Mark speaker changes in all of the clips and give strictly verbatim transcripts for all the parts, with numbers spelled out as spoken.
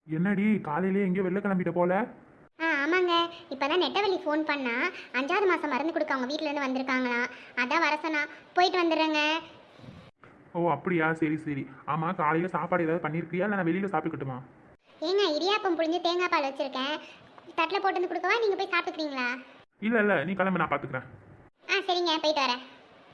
Speaker 1: என்னடி காலையிலே எங்கேயோ வெளில கிளம்பிட்ட போல?
Speaker 2: ஆ ஆமாங்க. இப்போ தான் நெட்டவள்ளி ஃபோன் பண்ணா. அஞ்சாவது மாதம் மருந்து கொடுக்க அவங்க வீட்டிலேருந்து வந்திருக்காங்களாம். அதான் வர சொன்னா. போயிட்டு வந்துடுறேங்க.
Speaker 1: ஓ அப்படியா, சரி சரி. ஆமா, காலையில சாப்பாடு ஏதாவது பண்ணிருக்கியா இல்லை நான் வெளியில சாப்பிட்டுக்கட்டுமா?
Speaker 2: ஏங்க இடியாப்பம் புழிஞ்சு தேங்காய் பால் வச்சுருக்கேன். தட்டில் போட்டு வந்து கொடுக்கவா, நீங்கள் போய் சாப்பிட்டுக்கிறீங்களா?
Speaker 1: இல்ல இல்ல, நீ கிளம்பு, நான் பாத்துக்கிறேன்.
Speaker 2: ஆ சரிங்க, போயிட்டு வரேன்.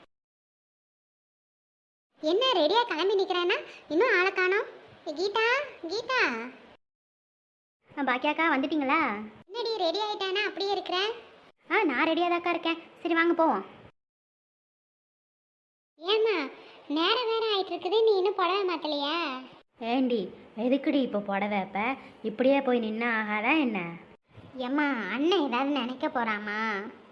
Speaker 2: என்ன ரெடியாக கிளம்பி நிற்கிறேன்னா இன்னும் ஆளை காணோம். கீதா, கீதா. பாக்கியாக்கா வந்துட்டீங்களா? என்னடி ரெடி ஆகிட்டானா அப்படியே இருக்கிறேன்? ஆ நான் ரெடியாக தாக்கா இருக்கேன். சரி வாங்க போவோம். ஏம்மா நேரம் வேற ஆயிட்டு இருக்குது, நீ இன்னும் புடவை மாத்தலையா?
Speaker 3: ஏண்டி எதுக்குடி இப்போ புடவை இப்போ இப்படியே போய் நின்னா ஆகாதா என்ன?
Speaker 2: ஏம்மா அண்ணன் ஏதாவது நினைக்க போறாமா?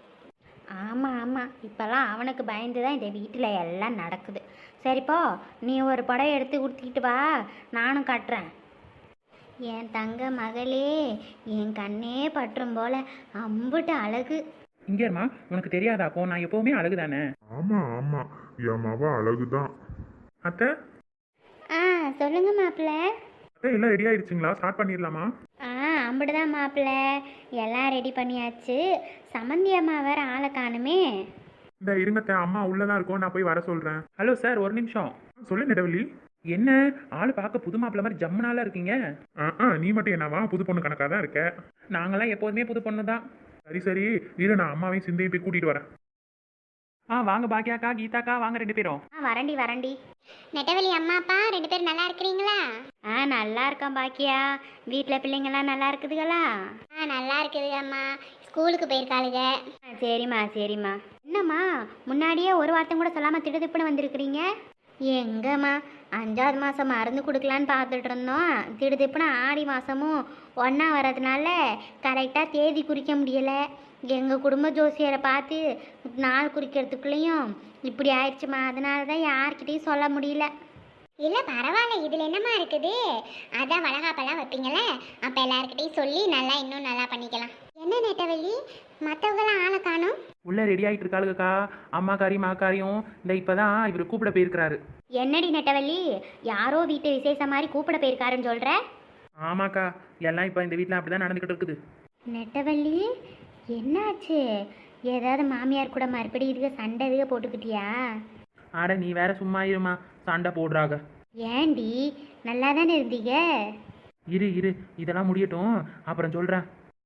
Speaker 3: ஆமாம் ஆமாம், இப்போல்லாம் அவனுக்கு பயந்து தான் இந்த வீட்டில் எல்லாம் நடக்குது. சரிப்போ நீ ஒரு புடவை எடுத்து கொடுத்துக்கிட்டு வா, நானும் கட்டுறேன். என் தங்க மகளே, என் கண்ணே பற்றும் போல அம்புட்டு அழகு.
Speaker 1: இங்க இருமா, உனக்கு தெரியாதாக்கோ நான் எப்பவுமே அழகுதானே.
Speaker 4: ஆமா ஆமா, என் மவ அழகுதான்.
Speaker 1: அத்தை,
Speaker 3: ஆ சொல்லுங்க மாப்பிள்ள.
Speaker 1: அத்தை எல்லாம் ரெடி ஆயிடுச்சுங்களா? ஸ்டார்ட் பண்ணிடலாமா?
Speaker 3: ஆ அம்பிடுதான் மாப்பிள்ள, எல்லாம் ரெடி பண்ணியாச்சு. சமந்தி அம்மா வேற ஆளை காணுமே.
Speaker 1: இந்த இருங்கத்தை, அம்மா உள்ளதான் இருக்கும், நான் போய் வர சொல்றேன். ஹலோ சார், ஒரு நிமிஷம். சொல்லு நெட்டவள்ளி. என்ன ஆளு பார்க்க புது மாப்பிள்ள மாதிரி ஜம்முனால இருக்கீங்க? ஆ நீ மட்டும் என்னவா புது பொண்ணு கணக்காக தான் இருக்க? நாங்களாம் எப்போதுமே புது பொண்ணு தான். சரி சரி, இரு நான் அம்மாவையும் சிந்தையும் போய் கூட்டிட்டு வரேன். ஆ வாங்க பாக்கியாக்கா, கீதாக்கா, வாங்க ரெண்டு பேரும்.
Speaker 3: ஆ வரண்டி வரண்டி.
Speaker 2: நெட்டவள்ளி அம்மா அப்பா ரெண்டு பேரும் நல்லா இருக்கிறீங்களா?
Speaker 3: ஆ நல்லா இருக்கோம் பாக்கியா. வீட்டில் பிள்ளைங்கள்லாம் நல்லா இருக்குதுங்களா?
Speaker 2: ஆ நல்லா இருக்குது அம்மா. ஸ்கூலுக்கு போயிருக்காளுங்க.
Speaker 3: ஆ சரிம்மா சரிம்மா. என்னம்மா முன்னாடியே ஒரு வார்த்தை கூட சொல்லாமல் திடுதிப்புன்னு வந்திருக்கிறீங்க? எங்கம்மா அஞ்சாவது மாதம் மருந்து கொடுக்கலான்னு பார்த்துட்டு இருந்தோம். திடுதிப்புன்னு ஆடி மாதமும் ஒன்றா வர்றதுனால கரெக்டாக தேதி குறிக்க முடியலை. எங்கள் குடும்ப ஜோசியரை பார்த்து நாள் குறிக்கிறதுக்குள்ளேயும் இப்படி ஆயிடுச்சுமா. அதனால தான் யார்கிட்டையும் சொல்ல முடியல.
Speaker 2: இல்லை பரவாயில்ல, இதில் என்னம்மா இருக்குது? அதான் வளகாப்பெல்லாம் வைப்பீங்களே, அப்போ எல்லாருக்கிட்டையும் சொல்லி நல்லா இன்னும் நல்லா பண்ணிக்கலாம். என்ன நெட்டவள்ளி, மற்றவங்களாம் ஆளை காணும்?
Speaker 1: உள்ள ரெடி ஆகிட்டு இருக்காளுக்கா. அம்மாக்காரியும் மாக்காரியும் இந்த இப்பதான் இவர் கூப்பிட போயிருக்கிறாரு.
Speaker 3: என்னடி நெட்டவள்ளி, யாரோ வீட்டு விசேஷம் மாதிரி கூப்பிட போயிருக்காருன்னு சொல்கிற?
Speaker 1: ஆமாக்கா, எல்லாம் இப்போ இந்த வீட்டில் அப்படிதான் நடந்துக்கிட்டு இருக்குது.
Speaker 3: நெட்டவள்ளி என்னாச்சு? ஏதாவது மாமியார் கூட மறுபடியும் இதுக்கு சண்டை இதுக போட்டுக்கிட்டியா?
Speaker 1: ஆட நீ வேற சும்மா இருமா, சண்டை போடுறாங்க.
Speaker 3: ஏண்டி நல்லா தானே இருந்தீங்க?
Speaker 1: இரு இரு, இதெல்லாம் முடியட்டும், அப்புறம் சொல்கிறேன்.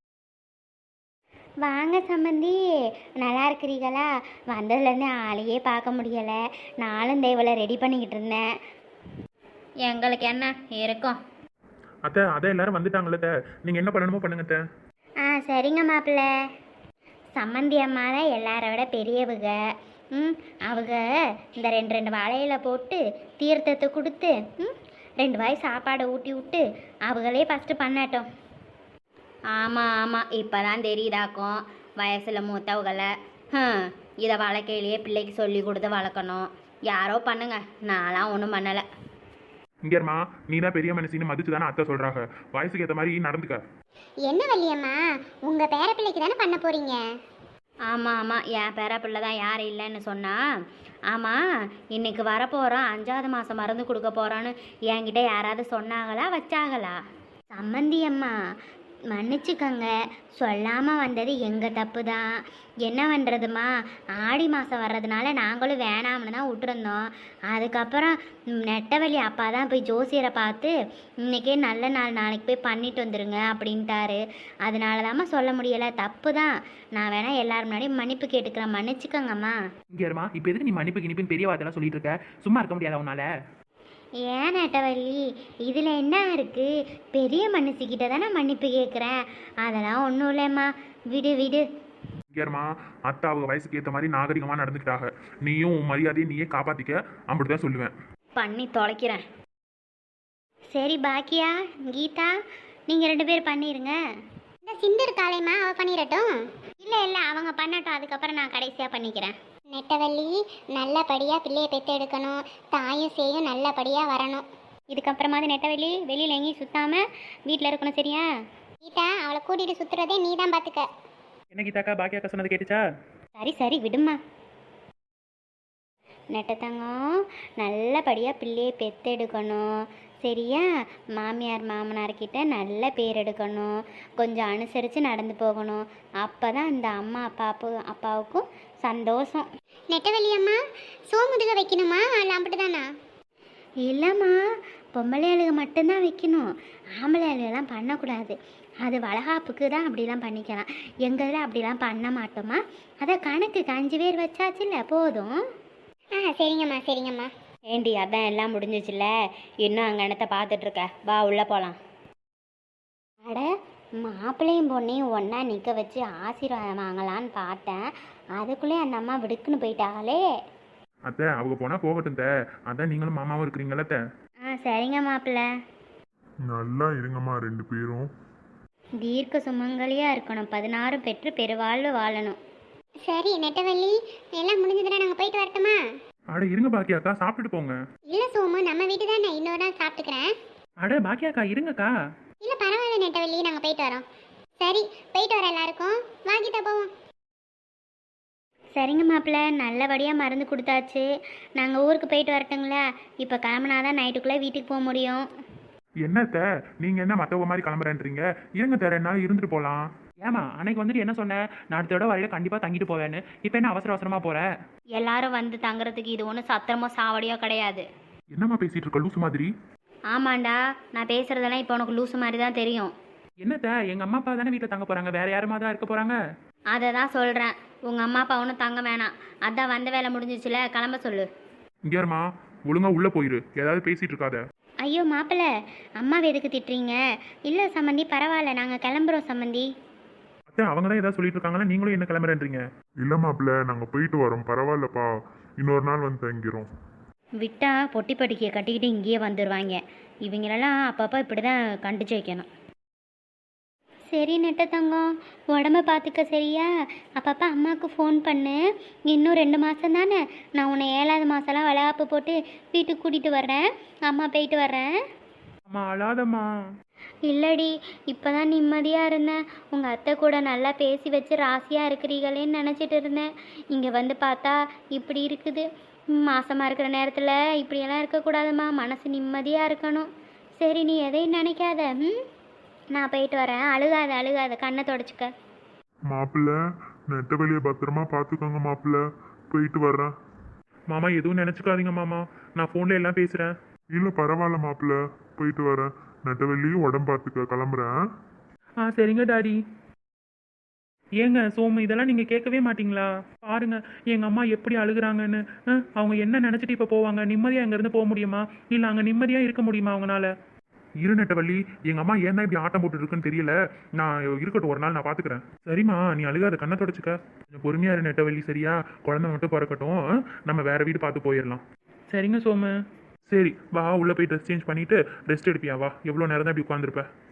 Speaker 3: வாங்க சம்மந்தி, நல்லா இருக்கிறீங்களா? வந்ததுலேருந்து ஆளையே பார்க்க முடியலை. நானும் தேவலை ரெடி பண்ணிக்கிட்டு இருந்தேன். எங்களுக்கு என்ன இருக்கும்?
Speaker 1: அத்தை அதான் எல்லாரும் வந்துட்டாங்களே அத்தை, நீங்கள் என்ன பண்ணணுமோ பண்ணுங்க அத்தை.
Speaker 3: ஆ சரிங்க மாப்பிள்ள. சம்மந்தி அம்மா தான் எல்லாரை விட பெரியவங்க. ம் அவங்க இந்த ரெண்டு ரெண்டு வாழையில போட்டு தீர்த்தத்தை கொடுத்து ம் ரெண்டு வாய் சாப்பாடை ஊட்டி விட்டு அவங்களே ஃபஸ்ட்டு பண்ணட்டும். ஆமாம் ஆமாம், இப்போ தான் தெரியுதாக்கும் வயசில் மூத்தவங்களை. ம் இதை வளர்க்கையிலேயே பிள்ளைக்கு சொல்லி கொடுத்து வளர்க்கணும். யாரோ பண்ணுங்க, நான்லாம் ஒன்றும் பண்ணலை.
Speaker 1: இங்கேம்மா, நீ தான் பெரிய மனுஷின்னு மதிச்சு தானே அத்தை சொல்கிறாங்க. வயசுக்கு ஏற்ற மாதிரி நடந்துக்க.
Speaker 2: என்ன வள்ளியம்மா, உங்கள் பேர பிள்ளைக்கு தானே பண்ண போகிறீங்க?
Speaker 3: ஆமாம் ஆமாம், என் பேர பிள்ளை தான் யாரும் இல்லைன்னு சொன்னா. ஆமாம், இன்னைக்கு வரப்போகிறோம், அஞ்சாவது மாதம் மருந்து கொடுக்க போகிறோன்னு என்கிட்ட யாராவது சொன்னாங்களா வச்சாங்களா? சம்மந்தி அம்மா மன்னிச்சுக்கங்க, சொல்லாமல் வந்தது எங்கள் தப்பு தான். என்ன பண்ணுறதுமா, ஆடி மாதம் வர்றதுனால நாங்களும் வேணாம்னு தான் விட்டுருந்தோம். அதுக்கப்புறம் நெட்டவள்ளி அப்பா தான் போய் ஜோசியரை பார்த்து இன்றைக்கே நல்ல நாள், நாளைக்கு போய் பண்ணிட்டு வந்துடுங்க அப்படின்ட்டாரு. அதனால தாம்மா சொல்ல முடியலை, தப்பு தான். நான் வேணால் எல்லாரும் முன்னாடியும் மன்னிப்பு கேட்டுக்கிறேன், மன்னிச்சுக்கங்கம்மா.
Speaker 1: இங்கேம்மா, இப்போ எதுக்கு நீ மன்னிப்பு கிணிப்புன்னு பெரிய வார்த்தைலாம் சொல்லிட்டு இருக்க? சும்மா இருக்க முடியாதா உன்னால?
Speaker 3: ஏன் நெட்டவள்ளி, இதில் என்ன இருக்குது? பெரிய மனுஷிக்கிட்ட தானே மன்னிப்பு கேட்குறேன். அதெல்லாம் ஒன்றும் இல்லைம்மா, விடு விடு.
Speaker 1: இங்கேம்மா, அத்தை அவங்க வயசுக்கு ஏற்ற மாதிரி நாகரிகமாக நடந்துக்கிட்டாங்க. நீயும் உன் மரியாதையை நீயே காப்பாற்றிக்க, அப்படி தான் சொல்லுவேன்.
Speaker 3: பண்ணி தொலைக்கிறேன். சரி பாக்கியா, கீதா, நீங்கள் ரெண்டு பேர் பண்ணிடுங்க.
Speaker 2: இந்த சிந்து இருக்காளேம்மா, அவள் பண்ணிடட்டும்.
Speaker 3: இல்லை இல்லை, அவங்க பண்ணட்டும், அதுக்கப்புறம் நான் கடைசியாக பண்ணிக்கிறேன்.
Speaker 2: நெட்டவள்ளி நல்லபடியாக பிள்ளையை பெற்று எடுக்கணும், தாயும் சேயும் நல்லபடியாக வரணும்.
Speaker 3: இதுக்கப்புறமாவது நெட்டவள்ளி வெளியில் எங்கேயும் சுத்தாமல் வீட்டில் இருக்கணும், சரியா?
Speaker 2: கீதா, அவளை கூட்டிகிட்டு சுற்றுறதே நீ தான் பார்த்துக்க.
Speaker 1: என்ன கீதாக்கா, பாக்கியாக்கா சொன்னது கேட்டுச்சா?
Speaker 3: சரி சரி விடுமா. நெட்டத்தங்கம் நல்லபடியாக பிள்ளையை பெற்றெடுக்கணும், சரியா? மாமியார் மாமனார்கிட்ட நல்ல பேர் எடுக்கணும், கொஞ்சம் அனுசரித்து நடந்து போகணும். அப்போ தான் இந்த அம்மா அப்பாப்பு அப்பாவுக்கும் சந்தோஷம்.
Speaker 2: நெட்டவள்ளி அம்மா, சோமுதுக வைக்கணுமா இல்லை அப்படி தானா?
Speaker 3: இல்லைம்மா, பொம்பளை ஆளுக மட்டும்தான் வைக்கணும், ஆம்பளை ஆளுகெல்லாம் பண்ணக்கூடாது. அது வளகாப்புக்கு தான் அப்படிலாம் பண்ணிக்கலாம். எங்கள் இதில் அப்படிலாம் பண்ண மாட்டோமா. அதை கணக்குக்கு அஞ்சு பேர் வச்சாச்சுல்ல, போதும்.
Speaker 2: ஆ சரிங்கம்மா சரிங்கம்மா.
Speaker 3: ஏண்டி, அதான் எல்லாம் முடிஞ்சிச்சுல்ல, இன்னும் அங்கே இடத்த பார்த்துட்ருக்க, வா உள்ளே போகலாம். அட, மாப்பிள்ளையும் பொண்ணையும் ஒன்றா நிற்க வச்சு ஆசீர்வாதம் வாங்கலான்னு பார்த்தேன், அதுக்குள்ளே அந்த அம்மா விடுக்குன்னு போயிட்டாங்களே.
Speaker 1: அத்தை அவங்க போனா போகட்டும் தே, அதான் நீங்களும் மாமாவும் இருக்கிறீங்களா தே.
Speaker 3: ஆ சரிங்க மாப்பிள்ளை.
Speaker 4: நல்லா இருங்கம்மா ரெண்டு பேரும்.
Speaker 3: தீர்க்க சுமங்கலியாக இருக்கணும், பதினாறும் பெற்று பெருவாழ்வு வாழணும்.
Speaker 2: சரி நெட்டவள்ளி, எல்லாம் முடிஞ்சதுன்னா நாங்கள் போயிட்டு வரட்டுமா?
Speaker 1: அட இருங்க பாக்கியாக்கா, சாப்பிட்டுட்டு போங்க.
Speaker 2: இல்லை சோமு, நம்ம வீட்டு தான் நான் இன்னொரு நாள் சாப்பிட்டுக்கிறேன்.
Speaker 1: அட பாக்கியாக்கா இருங்கக்கா.
Speaker 2: இல்லை பரவாயில்ல நெட்டவள்ளி, நாங்கள் போயிட்டு வரோம். சரி போயிட்டு வர எல்லாருக்கும், வாங்கிட்ட போவோம்.
Speaker 3: சரிங்க மாப்பிள்ளை, நல்லபடியாக மருந்து கொடுத்தாச்சு. நாங்கள் ஊருக்கு போயிட்டு வரட்டுங்களா? இப்போ கிளம்புனாதான் நைட்டுக்குள்ளே வீட்டுக்கு போக முடியும்.
Speaker 1: என்னத்த நீங்க என்ன மத்தவங்க மாதிரி கிளம்புறேன்றீங்க? இருங்க தர என்னால இருந்துட்டு போலாம். ஏமா அன்னைக்கு வந்துட்டு என்ன சொன்னேன், நான் அடுத்த தடவை வரையில கண்டிப்பா தங்கிட்டு போவேன்னு. இப்போ என்ன அவசர அவசரமா போற?
Speaker 3: எல்லாரும் வந்து தங்குறதுக்கு இது ஒன்றும் சத்திரமோ சாவடியோ கிடையாது.
Speaker 1: என்னம்மா பேசிட்டு இருக்க லூசு மாதிரி?
Speaker 3: ஆமாண்டா, நான் பேசுகிறதெல்லாம் இப்போ உனக்கு லூசு மாதிரி தான் தெரியும்.
Speaker 1: என்னத்த எங்க அம்மா அப்பா தானே வீட்டில் தங்க போறாங்க, வேற யாருமா தான் இருக்க போறாங்க?
Speaker 3: அதை தான் சொல்கிறேன், உங்கள் அம்மா அப்பா ஒன்றும் தங்க வேணாம். அதான் வந்த வேலை முடிஞ்சிச்சுல, கிளம்ப சொல்லு.
Speaker 1: இங்கேருமா ஒழுங்கா உள்ள போயிரு, ஏதாவது பேசிட்டு இருக்காத.
Speaker 3: ஐயோ மாப்பிள்ளை, அம்மாவை எதுக்கு திட்டுறீங்க? இல்லை சம்மந்தி, பரவாயில்ல, நாங்கள் கிளம்புறோம் சம்மந்தி.
Speaker 1: அத்தை அவங்க தான் ஏதாவது சொல்லிட்டு இருக்காங்களா, நீங்களும் என்ன கிளம்புறேன்றீங்க?
Speaker 4: இல்லை மாப்பிள்ள, நாங்கள் போயிட்டு வரோம், பரவாயில்லப்பா, இன்னொரு நாள் வந்து தங்கிறோம்.
Speaker 3: விட்டா பொட்டி பட்டிக்கையை கட்டிக்கிட்டு இங்கேயே வந்துடுவாங்க. இவங்களெல்லாம் அப்பப்போ இப்படி தான் கண்டிச்சு வைக்கணும். சரி நெட்ட தங்கம், உடம்ப பார்த்துக்க சரியா? அப்பப்போ அம்மாவுக்கு ஃபோன் பண்ணு. இன்னும் ரெண்டு மாதம் தானே, நான் உன்னை ஏழாவது மாதம்லாம் வளகாப்பு போட்டு வீட்டுக்கு கூட்டிகிட்டு வர்றேன். அம்மா போயிட்டு வர்றேன்.
Speaker 1: அம்மா அழாதம்மா.
Speaker 3: இல்லடி, இப்போ தான் நிம்மதியாக இருந்தேன். உங்கள் அத்தை கூட நல்லா பேசி வச்சு ராசியாக இருக்கிறீங்களேன்னு நினச்சிட்டு இருந்தேன். இங்கே வந்து பார்த்தா இப்படி இருக்குது. மாசமாக இருக்கிற நேரத்தில் இப்படியெல்லாம் இருக்கக்கூடாதும்மா, மனசு நிம்மதியாக இருக்கணும். சரி நீ எதையும் நினைக்காத. ம் நான் போயிட்டு வரேன். அழுகாத அழுகாத, கண்ணை தொடச்சிக்க.
Speaker 4: மாப்பிள்ள, நெட்ட வெளியே பத்திரமா பார்த்துக்கோங்க மாப்பிள்ள, போயிட்டு வர்றேன்.
Speaker 1: மாமா எதுவும் நினைச்சுக்காதீங்க மாமா, நான் ஃபோன்ல எல்லாம் பேசுறேன்.
Speaker 4: இல்லை பரவாயில்ல மாப்பிள்ள, போயிட்டு வரேன். நெட்டவெளியும் உடம்பு பார்த்துக்க, கிளம்புறேன்.
Speaker 1: ஆ சரிங்க டாடி. ஏங்க சோமு, இதெல்லாம் நீங்க கேட்கவே மாட்டீங்களா? பாருங்க எங்க அம்மா எப்படி அழுகுறாங்கன்னு. ஆ, அவங்க என்ன நினைச்சிட்டு இப்ப போவாங்க? நிம்மதியா இங்க இருந்து போக முடியுமா? இல்ல அங்க நிம்மதியா இருக்க முடியுமா அவங்களால? இரு நெட்டவள்ளி, எங்க அம்மா ஏன் தான் இப்படி ஆட்டம் போட்டு இருக்குன்னு தெரியல. நான் இருக்கட்டும், ஒரு நாள் நான் பாத்துக்கிறேன். சரிம்மா, நீ அழுகாத, கண்ணை தொடச்சுக்க. கொஞ்சம் பொறுமையா இரு நெட்டவள்ளி, சரியா? குழந்தை மட்டும் பிறக்கட்டும், ஆ, நம்ம வேற வீடு பார்த்து போயிடலாம். சரிங்க சோமு. சரி வா, உள்ள போய் ட்ரெஸ் சேஞ்ச் பண்ணிட்டு ரெஸ்ட் எடுப்பியா? வா, எவ்வளோ நேரம் தான் இப்படி உட்காந்துருப்ப?